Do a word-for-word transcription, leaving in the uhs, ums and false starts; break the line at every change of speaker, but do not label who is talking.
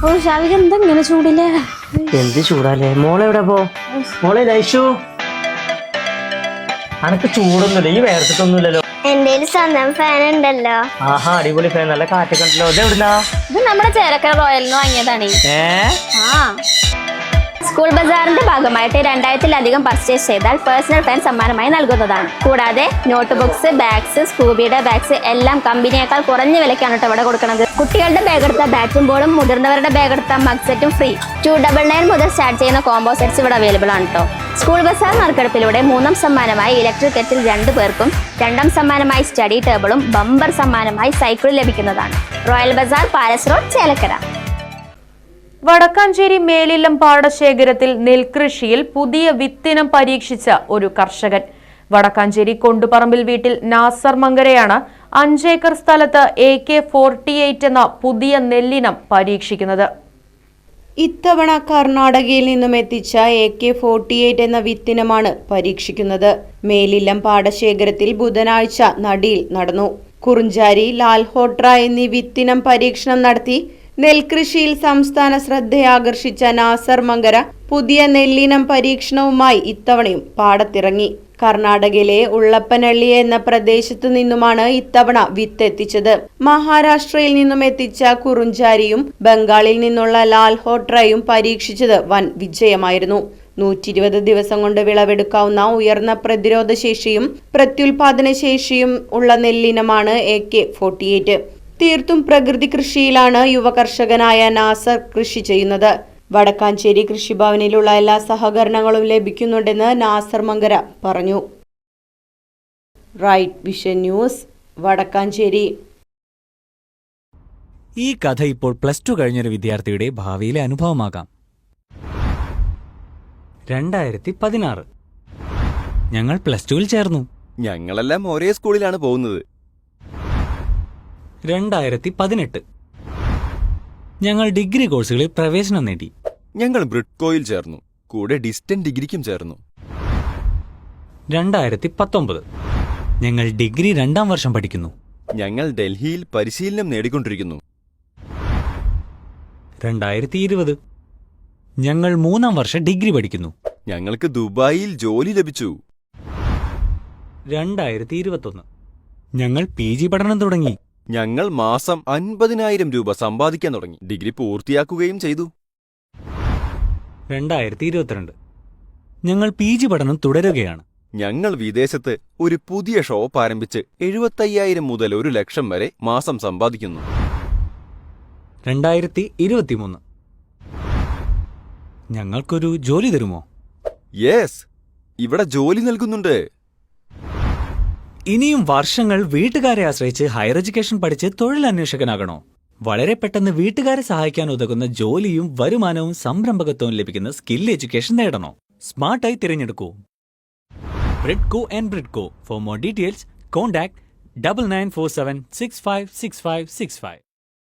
ഓ ഷാവിക എന്താ ഇങ്ങനെ ചൂടില്ലേ?
എന്ത് ചൂടാലേ? മോളെവിടെ പോ? മോളെ ലൈഷു, അനക്ക് ചൂടൊന്നുമില്ല, ഈ വേർത്തിട്ടൊന്നുമില്ലല്ലോ.
എന്റെ സ്വന്തം ഫാൻ ഉണ്ടല്ലോ.
ആഹാ, അടിപൊളി ഫാൻ, നല്ല കാറ്റൊക്കെ ഉണ്ടല്ലോ. ഇത് എവിടുന്നാ?
ഇത് നമ്മുടെ ചേലക്കര റോയലിന് വാങ്ങിയതാണ്.
ഏ
ആ സ്കൂൾ ബസാറിന്റെ ഭാഗമായിട്ട് രണ്ടായിരത്തിലധികം പർച്ചേസ് ചെയ്താൽ പേഴ്സണൽ ഫാൻ സമ്മാനമായി നൽകുന്നതാണ്. കൂടാതെ നോട്ട് ബുക്സ്, ബാഗ്സ്, സ്കൂബിയുടെ ബാഗ്സ് എല്ലാം കമ്പനിയേക്കാൾ കുറഞ്ഞ വിലക്കാണ് കേട്ടോ ഇവിടെ കൊടുക്കുന്നത്. കുട്ടികളുടെ ബാഗ് എടുത്ത ബാറ്റും ബോളും, മുതിർന്നവരുടെ ബാഗ് എടുത്ത മഗ് സെറ്റും ഫ്രീ. ടു ഡബിൾ നയൻ മുതൽ സ്റ്റാർട്ട് ചെയ്യുന്ന കോംബോ സെറ്റ്സ് ഇവിടെ അവൈലബിൾ ആണ് കേട്ടോ. സ്കൂൾ ബസാർ നറുക്കെടുപ്പിലൂടെ മൂന്നാം സമ്മാനമായി ഇലക്ട്രിക് കെറ്റിൽ രണ്ടു പേർക്കും, രണ്ടാം സമ്മാനമായി സ്റ്റഡി ടേബിളും, ബമ്പർ സമ്മാനമായി സൈക്കിളും ലഭിക്കുന്നതാണ്. Royal Bazaar, Palace Road, Chelakkara.
Vadakkanchery Melillam പാടശേഖരത്തിൽ നെൽകൃഷിയിൽ പുതിയ വിത്തിനം പരീക്ഷിച്ച ഒരു കർഷകൻ. വടക്കാഞ്ചേരി കൊണ്ടുപറമ്പിൽ വീട്ടിൽ നാസർ മങ്കരയാണ് അഞ്ചേക്കർ സ്ഥലത്ത് എ കെ ഫോർട്ടി എയ്റ്റ് എന്ന പുതിയ നെല്ലിനം പരീക്ഷിക്കുന്നത്.
ഇത്തവണ കർണാടകയിൽ നിന്നും എത്തിച്ച എ കെ ഫോർട്ടി എയ്റ്റ് എന്ന വിത്തിനമാണ് പരീക്ഷിക്കുന്നത്. മേലില്ലം പാടശേഖരത്തിൽ ബുധനാഴ്ച നടിയിൽ നടന്നു. കുറുഞ്ചാരി, ലാൽഹോട്ര എന്നീ വിത്തിനം പരീക്ഷണം നടത്തി നെൽകൃഷിയിൽ സംസ്ഥാന ശ്രദ്ധയാകർഷിച്ച നാസർ മങ്കര പുതിയ നെല്ലിനം പരീക്ഷണവുമായി ഇത്തവണയും പാടത്തിറങ്ങി. കർണാടകയിലെ ഉള്ളപ്പനള്ളി എന്ന പ്രദേശത്തു നിന്നുമാണ് ഇത്തവണ വിത്ത് എത്തിച്ചത്. മഹാരാഷ്ട്രയിൽ നിന്നും എത്തിച്ച കുറുഞ്ചാരിയും ബംഗാളിൽ നിന്നുള്ള ലാൽഹോട്രയും പരീക്ഷിച്ചത് വൻ വിജയമായിരുന്നു. നൂറ്റി ഇരുപത് ദിവസം കൊണ്ട് വിളവെടുക്കാവുന്ന ഉയർന്ന പ്രതിരോധ ശേഷിയും പ്രത്യുൽപാദന ശേഷിയും ഉള്ള നെല്ലിനമാണ് എ കെ ഫോർട്ടി എയ്റ്റ്. തീർത്തും പ്രകൃതി കൃഷിയിലാണ് യുവകർഷകനായ നാസർ കൃഷി ചെയ്യുന്നത്. വടക്കാഞ്ചേരി കൃഷിഭവനിലുള്ള എല്ലാ സഹകരണങ്ങളും ലഭിക്കുന്നുണ്ടെന്ന് നാസർ മങ്കര പറഞ്ഞു. Right Vision News, Vadakkanchery.
ഈ കഥ ഇപ്പോൾ പ്ലസ് ടു കഴിഞ്ഞൊരു വിദ്യാർത്ഥിയുടെ ഭാവിയിലെ അനുഭവമാകാം. രണ്ടായിരത്തി പതിനാറ് ഞങ്ങൾ പ്ലസ് ടുവിൽ ചേർന്നു.
ഞങ്ങളെല്ലാം ഒരേ സ്കൂളിലാണ് പോകുന്നത്.
രണ്ടായിരത്തി പതിനെട്ട് ഞങ്ങൾ ഡിഗ്രി കോഴ്സുകളിൽ പ്രവേശനം നേടി.
ഞങ്ങൾ ബ്രിഡ്കോയിൽ ചേർന്നു, കൂടെ ഡിസ്റ്റന്റ് ഡിഗ്രിക്കും ചേർന്നു.
രണ്ടായിരത്തി പത്തൊമ്പത് ഞങ്ങൾ ഡിഗ്രി രണ്ടാം വർഷം പഠിക്കുന്നു.
ഞങ്ങൾ ഡൽഹിയിൽ പരിശീലനം നേടിക്കൊണ്ടിരിക്കുന്നു.
രണ്ടായിരത്തി ഇരുപത് ഞങ്ങൾ മൂന്നാം വർഷം ഡിഗ്രി പഠിക്കുന്നു.
ഞങ്ങൾക്ക് ദുബായിൽ ജോലി ലഭിച്ചു.
രണ്ടായിരത്തി ഇരുപത്തൊന്ന് ഞങ്ങൾ പി ജി പഠനം തുടങ്ങി.
ഞങ്ങൾ മാസം അൻപതിനായിരം രൂപ സമ്പാദിക്കാൻ തുടങ്ങി. ഡിഗ്രി പൂർത്തിയാക്കുകയും ചെയ്തു.
രണ്ടായിരത്തി ഇരുപത്തിരണ്ട് ഞങ്ങൾ പി ജി പഠനം തുടരുകയാണ്.
ഞങ്ങൾ വിദേശത്ത് ഒരു പുതിയ ഷോപ്പ് ആരംഭിച്ച് എഴുപത്തയ്യായിരം മുതൽ ഒരു ലക്ഷം വരെ മാസം സമ്പാദിക്കുന്നു.
രണ്ടായിരത്തി ഇരുപത്തിമൂന്ന് ഞങ്ങൾക്കൊരു ജോലി തരുമോ?
യെസ്, ഇവിടെ ജോലി നൽകുന്നുണ്ട്.
ഇനിയും വർഷങ്ങൾ വീട്ടുകാരെ ആശ്രയിച്ച് ഹയർ എഡ്യൂക്കേഷൻ പഠിച്ച് തൊഴിലന്വേഷകനാകണോ? വളരെ പെട്ടെന്ന് വീട്ടുകാരെ സഹായിക്കാൻ ഉതകുന്ന ജോലിയും വരുമാനവും സംരംഭകത്വവും ലഭിക്കുന്ന സ്കിൽ എഡ്യൂക്കേഷൻ നേടണോ? സ്മാർട്ടായി തിരഞ്ഞെടുക്കൂ Bridco and Bridco. For more details contact double nine four seven six five six five six five.